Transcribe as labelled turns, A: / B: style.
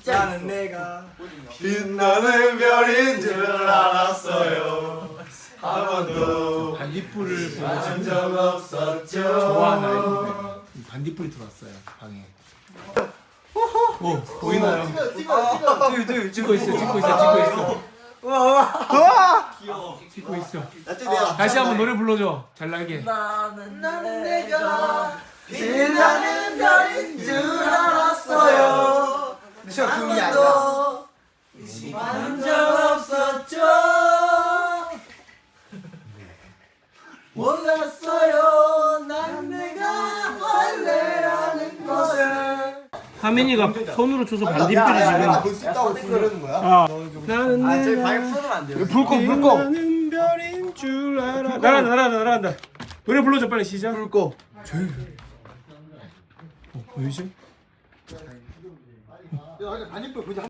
A: 나는 내가 빛나는 별인 줄 알았어요. 한 번도
B: 반딧불을
A: 본 적 없었죠.
B: 좋아하는 아이인데 반딧불이 들어왔어요 방에. 오 보이나요? 찍고 있어. 찍고 있어. 다시 한번 노래 불러줘. 잘나게.
A: 나는 내가 빛나는 별인 줄 알았어요. 한 번도 의심한 적 없었죠. 몰랐어요. 난 내가 원래라는 것을.
B: 하민이가 손으로 쳐서 반딧불이 지금.
A: 볼수 있다고 부르는 거야?
B: 나는
A: 저희 방에 풀어놓으면 안 돼요.
B: 불꺼. 나는 별인 줄 알아. 날아간다. 노래 불러줘 빨리 시작.
A: 불꺼.
B: 보이지?
A: 반딧불 보자.